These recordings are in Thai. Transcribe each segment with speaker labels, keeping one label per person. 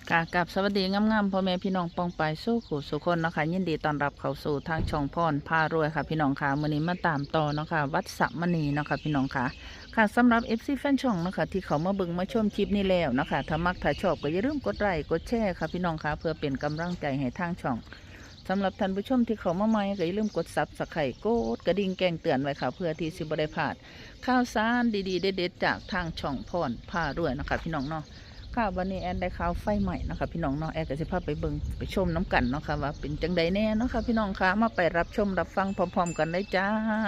Speaker 1: ค่ะกับสวัสดีงามๆพ่อแม่พี่น้องปองไปสู้ขู่สุคนเนาะค่ะยินดีต้อนรับเข้าสู่ทางช่องพรพารวยค่ะพี่น้องค่ะมื้อนี้มาตามต่อเนาะค่ะวัดสะมณีเนาะค่ะพี่น้องค่ะค่ะสำหรับ FC แฟนช่องเนาะค่ะที่เขามาเบิ่งมาชมคลิปนี้แล้วเนาะค่ะถ้ามักถ้าชอบก็อย่าลืมกดไลค์กดแชร์ค่ะพี่น้องค่ะเพื่อเป็นกำลังใจให้ทางช่องสำหรับท่านผู้ชมที่เขามาใหม่ก็อย่าลืมกดSubscribeกดกระดิ่งแจ้งเตือนไว้ค่ะเพื่อที่สิบ่ได้พลาดข่าวสารดีๆเด็ดๆจากทางช่องพรพารวยเนาะค่ะพี่น้องเนาะ ค่ะวันนี้แอนได้ข่าวไฟใหม่นะคะพี่น้องเนาะแอนก็จะพาไปเบิ่งไปชมน้ำกันเนาะค่ะว่าเป็นจังใดแน่เนาะค่ะพี่น้องค่ะมาไปรับชมรับฟังพร้อมๆกันเลยจ้า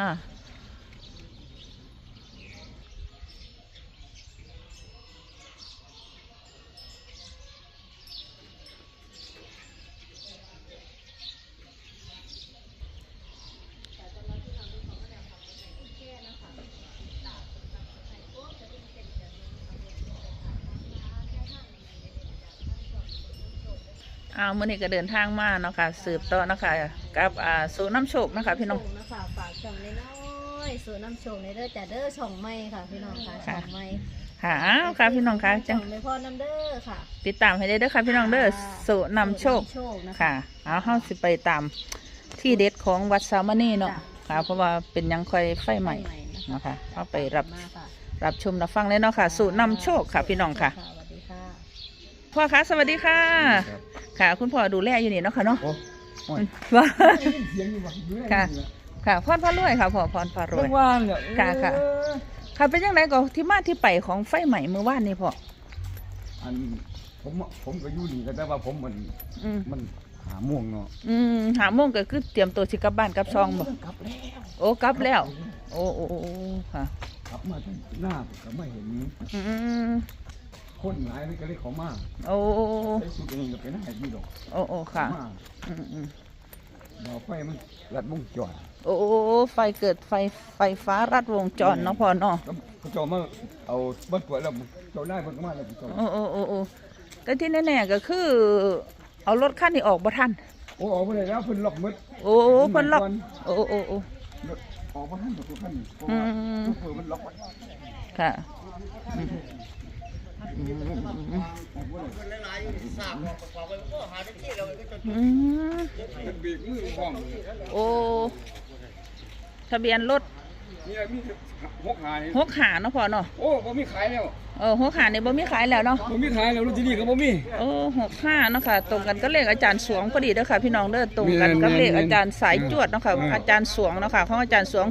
Speaker 1: มื้อนี้ก็เดินทางมาเนาะค่ะสืบต่อเนาะค่ะกับสู่น้ำโชคนะคะพี่น้อง
Speaker 2: นะคะฝากช่องน้อยๆสู่น้ำโชคในเด้อจ้ะเด้อช่องใหม่ค่ะพี่น้องค่ะช่องใหม่
Speaker 1: ค่ะค่ะพี่น้องค่ะ
Speaker 2: ช่องไม่พอน้ำเด้อค่ะ
Speaker 1: ติดตามให้ได้เด้อค่ะพี่น้องเด้อสู่น้ำโชคค่ะเอาเฮาสิไปตามที่เด็ดของวัดสามณีเนาะค่ะเพราะว่าเป็นยังค่อยไฟใหม่นะคะเฮาไปรับชมรับฟังเลยเนาะค่ะสู่น้ำโชคค่ะพี่น้องค่ะ
Speaker 2: สวัสดีค่ะ
Speaker 1: พ่อคะสวัสดีค่ะค่ะคุณพ่อดูแลอยู่นี่เนาะค่ะเนาะ
Speaker 3: ว่า
Speaker 1: ค่ะค่ะพรพารวยค่ะพ่อพรพารวยค่ะค่ะค่ะเป็นยังไงก็ที่มาที่ไปของไฟใหม่เมื่อวานนี่พ่อ
Speaker 3: อันผมก็อยู่นี่ก็แต่ว่าผมมันหาม่วงเนาะ
Speaker 1: หาโมงก็คือเตรียมตัวสิกลับบ้านกลับซองบ่
Speaker 3: กลับแล้ว
Speaker 1: โอ้กลับแล้วโอ้ค่ะ
Speaker 3: กลับมาที่หน้าก็ไม่เห็นคนหลายนี่ก็เลยเขามา
Speaker 1: โอ้
Speaker 3: ไอ้สุดเองก็เป็นหายดีดอก
Speaker 1: โอ้ค่ะ
Speaker 3: เราไฟมันรัดวงจร
Speaker 1: โอ้ไฟเกิดไฟฟ้ารัดวงจรเนาะพ่อเนาะ
Speaker 3: เขาจะมาเอาบ้านปวดแล้วเจ้าได้เพิ่นก็มาแล้ว
Speaker 1: โอ้แต่ที่แน่ๆก็คือเอารถคันนี้ออกบ่ทัน
Speaker 3: โอ้ออกไปแล้วเพิ่นล็อกหมด
Speaker 1: โอ้เพิ่นล็อกโอ้
Speaker 3: ออกบ่ทันตัวคันนี้เปิดมันล็อกไว้
Speaker 1: ค่ะโอ้ทะเบียนรถ
Speaker 3: มี
Speaker 1: หกหาเนาะพ่อเนาะ
Speaker 3: โอ้บ่มีขายแล้ว
Speaker 1: หกหาเนี่ยบ่มีขายแล้วเนาะ
Speaker 3: บ่มีขายแล้วรถที่นี่ก็บ่มี
Speaker 1: โอ้65เนาะค่ะตรงกันก็เลขอาจารย์สวงพอดีเด้อค่ะพี่น้องเด้อตรงกันกับเลขอาจารย์สายจวดเนาะค่ะอาจารย์สวงเนาะค่ะของอาจารย์สวง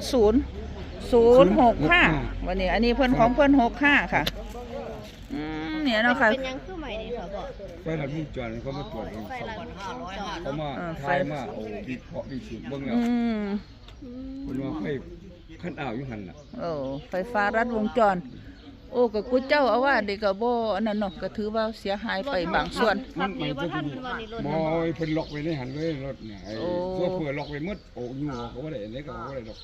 Speaker 1: 065วันนี้อันนี้เพิ่นของเพิ่น65ค่ะเนี่ยเนาะค่ะ
Speaker 2: เป็นยังคือใหม่นี่ค่ะบอก
Speaker 3: ไฟหลังวงจรเขามาตรวจเองเขามาทายมาเอาวิเคราะห์วิสูจน์เบิ่งแล้วเพิ่นว่าไฟคันอ้าวอยู่หั่นน่ะ
Speaker 1: ไฟฟ้ารัดวงจรโอ้ก็กูเจ้าเอาว่าเด็กก็บ่อันนั้นเนาะก็ถือว่าเสียหายไปบางส่วน
Speaker 3: มันจะบ่เพิ่นล็อกไว้ในหันเลยรถเนี่ยไอ้โซเฟอร์ล็อกไว้หมดโอ้อยู่ก็บ่ได้อันนี้ก็บ่ได้ดอก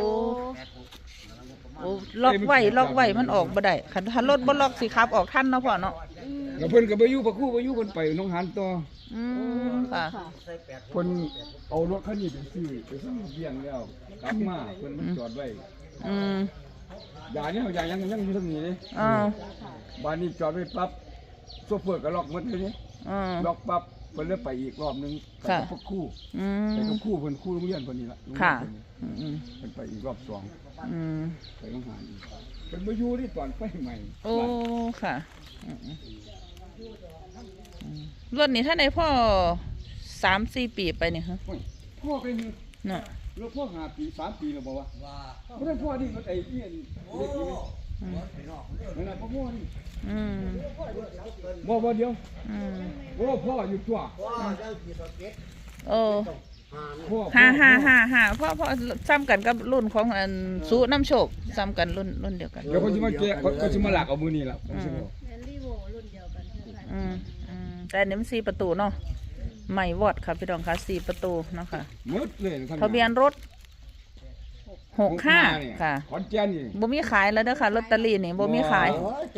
Speaker 1: ล็อกไว้มันออกบ่ได้คันถ้ารถบ่ล็อกสิขับออกทันเนาะพ่อเนาะ
Speaker 3: แล้วเพิ่นก็บ่อยู่ปะคู่บ่อยู่เพิ่นไปหนองหานต่อ
Speaker 1: ค่ะ
Speaker 3: เพิ่นเอารถคันนี้ไปซื้อเบี้ยงแล้วกลับมาเพิ่นจอดไว้อย่าเนี่ยยังอยู่ตรงนี้เลยบ้านนี้จอดไว้ปั๊บโซเฟอร์ก็ล็อกหมดเลยนี่ล็อกปั๊บเพิ่นเลยไปอีกรอบนึงไปกับคู่ไปกับคู่เพิ่นคู่โรงเรียนเพิ่นนี่ล่ะ
Speaker 1: ค่ะ
Speaker 3: เพิ่นไปอีกรอบ2ไปโรงหานเพิ่นบ่อยู่ที่ตอนไฟใหม่
Speaker 1: โอ้ค่ะรถนี่ถ้าในพ่อ 3-4 ปีไปนี่ฮะ
Speaker 3: พ่อเป็น
Speaker 1: น่ะ
Speaker 3: รถพ่อ5 ปี 3 ปีแล้วบ่วะบ่ได้พ่อนี่รถไอ้เหี้ยเด็กนี่นั่นน่ะพ่อนี่บ่เดียวโอ้พ่ออยู่ตัว
Speaker 1: 5พ่อซ้ำกันกับรุ่นของอันสู้น้ำโชคซ้ำกันรุ่นเดียวกัน
Speaker 3: เดี๋ยวเขาจะมาแกะเขาจะมาหลักเอามือนี่แล้ว
Speaker 1: แต่อันนี้มัน4 ประตูเนาะใหม่วอดค่ะพี่น้องค่ะ4 ประตูเนาะค่ะ
Speaker 3: หมดเลย
Speaker 1: ทะเบียนรถ65ค่ะ
Speaker 3: ขอนแก่นนี่
Speaker 1: บ่มีขายแล้วเด้อค่ะลอตเตอรี่นี่บ่มีขาย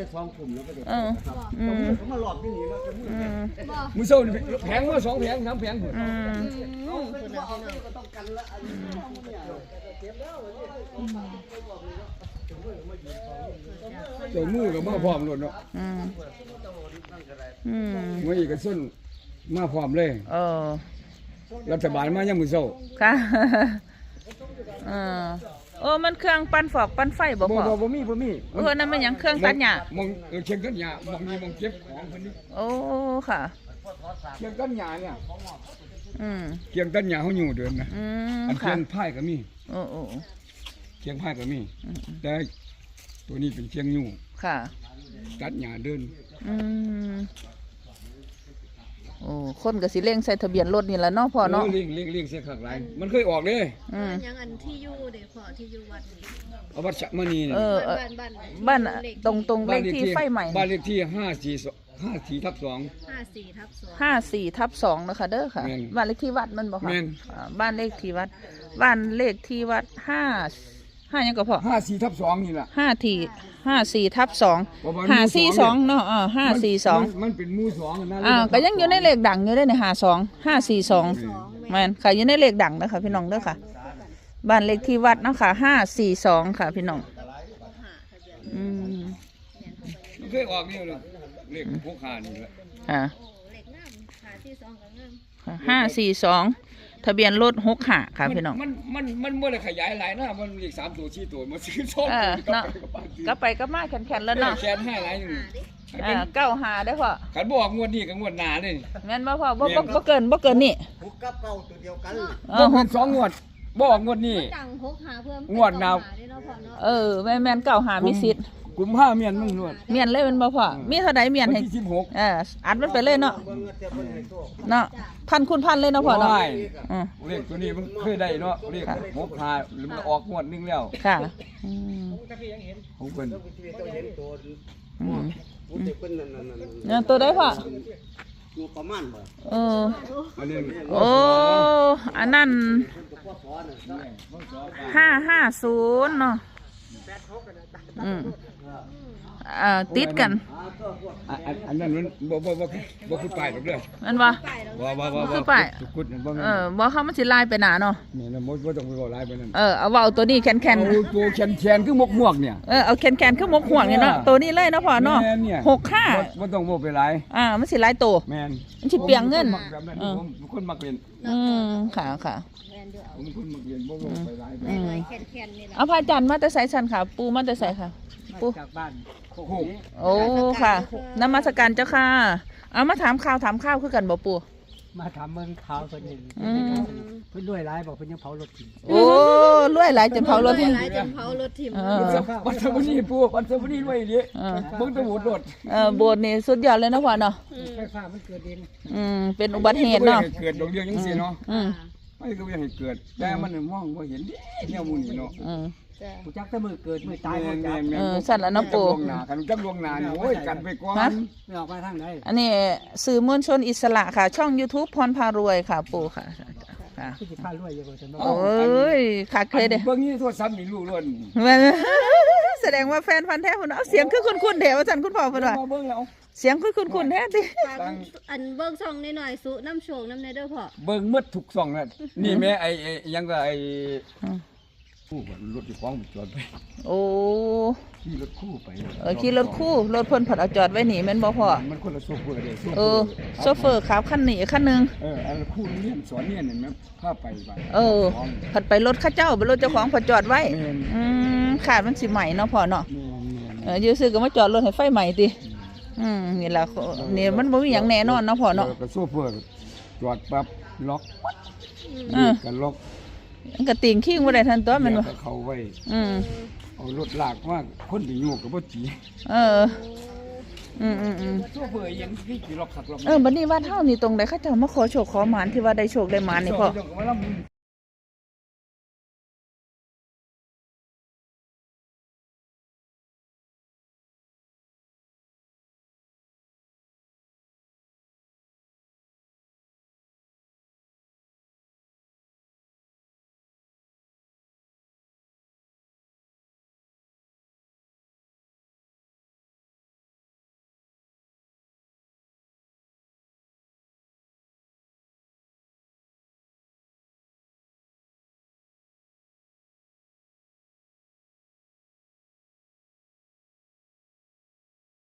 Speaker 3: มือโซ่แผงมา2 แผง 3 แผงเจ้ามือก็มาพร้อมรถเนาะ
Speaker 1: อืมอืม
Speaker 3: มื้อนี้ก็ส้นมาพร้อมเลย
Speaker 1: เออ
Speaker 3: รัฐบาลมายังมื้อเช้า
Speaker 1: ค่ะ เออโอ้มันเครื่องปั่นฟอกปั่นไฟบ่พอ
Speaker 3: บ่มี
Speaker 1: เออนั่นมันหยังเครื่องตัดหญ้าม
Speaker 3: องเชียงกันหญ้ามองมีมองเก็บของเพิ่นนี่
Speaker 1: โอ้ค่ะ
Speaker 3: เชียงกันหญ้าเนี่ย
Speaker 1: อืม
Speaker 3: เชียงกันหญ้าเฮาอยู่เดินนะ
Speaker 1: อืม
Speaker 3: อันเชี
Speaker 1: ค่ะ
Speaker 3: ยงพายก็มี
Speaker 1: โอ้โอ้
Speaker 3: เชียงพายก็มี แต่ตัวนี้เป็นเชียงอยู่
Speaker 1: ค่ะ
Speaker 3: ตัดหญ้าเดิน
Speaker 1: อืมโอ้คนก็สิเร่งใส่ทะเบียนรถนี่แหละเนาะพ่อเนาะ
Speaker 3: เลี้ยงเสียข้างหลายมันเคยออกเด้
Speaker 1: อืม
Speaker 2: ยังอันที่อยู่เด้พ่อที่อยู่วัดนี่
Speaker 3: เอาวัดสะมณีนี่
Speaker 1: เออ บ้านตรงเลขที่ไฟใหม่
Speaker 3: บ้านเลขที่542
Speaker 2: 54/2
Speaker 1: 54/2นะคะเด้อค่ะ
Speaker 3: แม่น
Speaker 1: บ้านเลขที่วัดมันบ่ค่ะ
Speaker 3: แม่น
Speaker 1: บ้านเลขที่วัดบ้านเลขที่วัดห้ายังก็พอ
Speaker 3: 54/2นี่ล่ะ
Speaker 1: 54/2
Speaker 3: ประมาณ
Speaker 1: 542เนาะ542
Speaker 3: มันเป็นหมู่2นะ
Speaker 1: ก็ยังอยู่ในเลขดังอยู่ได้ใน52 542แม่นค่ะอยู่ในเลขดังนะคะพี่น้องเด้อค่ะ บ้านเลขที่วัดเนาะค่ะ542ค่ะพี่น้องอืม
Speaker 3: มันเคยออกนี่เลยเลขพวกขานี่แหละ
Speaker 1: ค่ะ
Speaker 2: เลขงาม52ก็งาม
Speaker 1: 542ทะเบียนรถ65ค่ะพี่น้อง
Speaker 3: มันบ่ได้ขยายหลายนะมันเลข3ตัว4ตัวมาซื้อ2
Speaker 1: เออ
Speaker 3: ตัว
Speaker 1: เนาะ ก็ไปก็มาแข็งๆแล้วเนาะ
Speaker 3: แขนให้หลายนึง
Speaker 1: 95ได้อพ่อ
Speaker 3: คันบ่ออกงวดนี้ก็งวดหน้านี่
Speaker 1: แม่นบ่พ่อบ่เกินนี่
Speaker 4: หุกกับเก่าตัวเดียวกัน
Speaker 3: บ่เป็น2งวดบ่ออกงวดนี้
Speaker 2: จัง6 5เพิ่ม
Speaker 3: งวดหน้า
Speaker 2: ได้เนาะพ่อเนาะ
Speaker 1: แม่น95มีสิทธิ์
Speaker 3: กุมภาเมียนมึงนวด
Speaker 1: เมียนเลยแม่นบ่พ่อมีเท่าใดเมียน
Speaker 3: วัน
Speaker 1: ให้
Speaker 3: ที่16
Speaker 1: อัดมันไปเลยเนาะ
Speaker 4: เบิ่งแต่เพิ่นให้โชค
Speaker 1: เนาะพันคูณพันเลยเนาะพ่อเนาะ
Speaker 3: โอ้ย
Speaker 1: อืม
Speaker 3: เลขตัวนี้มันเคยได้เนาะเลข6 5หรือมันออกงวดหนึงแล้ว
Speaker 1: ค่ะอืม
Speaker 3: ของเพิ่น
Speaker 4: ที่ต้องเห็นตัว
Speaker 1: อืม
Speaker 4: ผู้ที่เพิ่นนั่น
Speaker 1: เนี่ยตัวได้พ่อ
Speaker 4: อยู่ประมาณบ่
Speaker 3: อันนี้
Speaker 1: โอ้อันนั้น550เนาะอืมติดกัน
Speaker 3: อันนั้นมันบ่คือป้ายหรอกเด้อ
Speaker 1: แม่นบ่
Speaker 2: ไปแล้ว
Speaker 3: บ่
Speaker 1: คือป้าย
Speaker 3: ทุกกุดนั่นบ่แม่น
Speaker 1: บ่เข้ามันสิลายไปหนาเนาะ
Speaker 3: นี่นะบ่ต้องไปเว้าหลายไปนั่น
Speaker 1: เอาเว้าตัวนี้แข็ง
Speaker 3: เอาตัวแขนคือหมวกเนี่ย
Speaker 1: เอาแข็งคือหมกห่วงเนี่ยเนาะตัวนี้เลยเนาะพ่อเนาะ
Speaker 3: แม่นเนี่ย
Speaker 1: 65
Speaker 3: บ่ต้องเว้าไปหลาย
Speaker 1: มันสิหลายตัว
Speaker 3: แม่น
Speaker 1: มันสิเปลียงเงิน
Speaker 3: ผมแบบนั้นผมเป็นคนมักเรียน
Speaker 1: ค่ะ
Speaker 2: แม่นอยู่เอา
Speaker 3: ผมเป็นคนมักเรียนบ่เว้าไปหลายไป
Speaker 2: แม่นแข็งๆนี่ล่ะ
Speaker 1: เอาพระอาจารย์มาแต่ไสสันค่ะ ปูมาแต่ไสค่ะ ปู
Speaker 4: จากบ้าน
Speaker 3: โอ้โห
Speaker 1: โอ้ค่ะนมัสการเจ้าค่ะ เอามาถามข่าวคือกันบ่ปู
Speaker 4: มาถามเมืองขาวเพิ่นนี่
Speaker 1: อืม
Speaker 4: เพิ่นด้วยหลายบอกเพิ่นยังเผารถกิน
Speaker 1: โอ้รวยหลายจนเผารถ
Speaker 2: หลายจนเผารถถิ่ม
Speaker 3: วันเสาร์นี้ปู่วันเสาร์นี้รวยดิเบิ่งแตะโหดรถ
Speaker 1: โบสถ์นี่สุดยอดเลยเนาะพ่อเนาะ
Speaker 4: ไฟฟ้ามันเกิดเอง
Speaker 1: เป็นอุบัติเหตุเนาะ
Speaker 3: เกิดดอกเดียวจังซี่เนาะ
Speaker 1: อืม
Speaker 3: ไม่ก็บ่อยากให้เกิดแต่มันมองบ่เห็นแนวหมู่นี่เนาะ
Speaker 2: จ้ะ
Speaker 4: ผู้จักแต่มือเกิดมือตายบ่จัก
Speaker 1: สั่นแล้วเนาะปู
Speaker 3: กันจักลวงหน้านี่โอ้ยกันไปก่อน
Speaker 4: ไม่ออกมาทางไหน
Speaker 1: อันนี้สื่อมวลชนอิสระค่ะ ช่อง YouTube พรพารวยค่ะปูค่ะค่ะ
Speaker 4: ผู้สิพารวยอยู่บ่ซั่นบ่
Speaker 1: โอ้ยขาดเคยเด้
Speaker 3: เบิ่งนี่โทรศัพท์นี่รู้ล้วน
Speaker 1: แสดงว่าแฟนพันธุ์แท้คุณเอาเสียงคือคุณเดี๋ยวอาจารย์คุณพ่อเพิ่นว่า
Speaker 3: มาเบิ่งแล้ว
Speaker 1: เสียงคือคุณแท้ติ
Speaker 2: ฝากอันเบิ่งช่องหน่อยๆสุน้ำโชคน้ำในเด้อพ่อ
Speaker 3: เบิ่งหมดทุกช่องนั่นนี่แม่ไอ้ยังก็ไอ้ผู้รถที่ของจอดไป
Speaker 1: โอ้
Speaker 3: ขี่รถคู่ไป
Speaker 1: ขี่รถคู่รถเพิ่นผัดเอาจอดไว้นี่แม่นบ่พ่อ
Speaker 3: มันคนละโซเฟอร์เด้
Speaker 1: โซเฟอร์ขับคันนี้คันหนึง
Speaker 3: อันคู่เรียนสอนเรียนเห็นไหมพาไปบ้าน
Speaker 1: ผัดไปรถเข้าเจ้าไปรถเจ้าของผัดจอดไว้
Speaker 3: แม่น
Speaker 1: ขาดมันสิใหม่เนาะพ่อเนาะ
Speaker 3: แม่น
Speaker 1: อยู่ซื้อก็มาจอดรถให้ไฟใหม่ตินี่ล่ะนี่มันบ่มีหยังแน่นอนเนาะพ่อเนาะ
Speaker 3: ก็โซเฟอร์จอดปั๊บล็อก
Speaker 1: อืม
Speaker 3: กันล็อก
Speaker 1: มันก็ติงขิงบ่ได้ทันตัวแม่นบ่
Speaker 3: เขาไว้
Speaker 1: อืม
Speaker 3: เอารถลากมาคนที่อยู่ก็บ่จี โซเฟอร์ยังขี่ล็อกขัดล็อก
Speaker 1: บัดนี้วัดเฮานี่ตรงใดเขาเจ้ามาขอโชคขอหมานที่ว่าได้โชคได้หมานนี่พ่อ
Speaker 3: เจ้าก็มาลำ